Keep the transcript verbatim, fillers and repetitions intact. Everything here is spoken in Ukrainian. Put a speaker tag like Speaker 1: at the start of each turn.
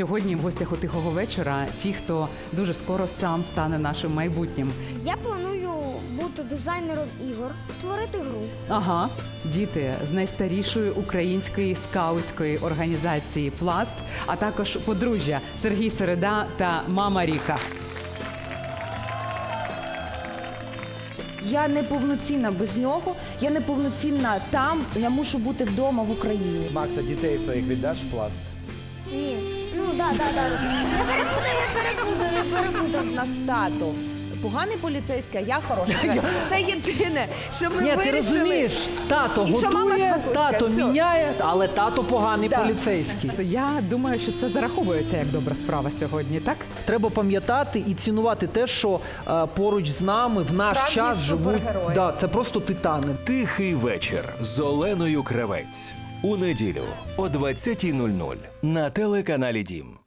Speaker 1: Сьогодні в гостях у Тихого вечора ті, хто дуже скоро сам стане нашим майбутнім.
Speaker 2: Я планую бути дизайнером ігор, створити гру.
Speaker 1: Ага, діти з найстарішої української скаутської організації «Пласт», а також подружжя Сергій Середа та мама Ріка.
Speaker 3: Я не повноцінна без нього, я не повноцінна там, я мушу бути вдома в Україні.
Speaker 4: Макса, дітей своїх віддаш в Пласт?
Speaker 2: Ні. Ну, да, да, да. Я перепутав, я перепутав, я перепутав.
Speaker 3: У нас тато поганий поліцейський, а я хороша. Це єдине, що ми
Speaker 5: Ні, ти
Speaker 3: вирішили.
Speaker 5: розумієш, тато
Speaker 3: І що мама
Speaker 5: готує,
Speaker 3: спокуска,
Speaker 5: тато
Speaker 3: все.
Speaker 5: міняє, але тато поганий
Speaker 3: Так.
Speaker 5: поліцейський.
Speaker 1: Я думаю, що це зараховується як добра справа сьогодні, так?
Speaker 5: Треба пам'ятати і цінувати те, що е, поруч з нами в наш
Speaker 3: Справжні
Speaker 5: час живуть.
Speaker 3: супергерої.
Speaker 5: Да, це просто титани.
Speaker 6: Тихий вечір з Оленою Кравець. У неділю о двадцятій нуль нуль на телеканалі Дім.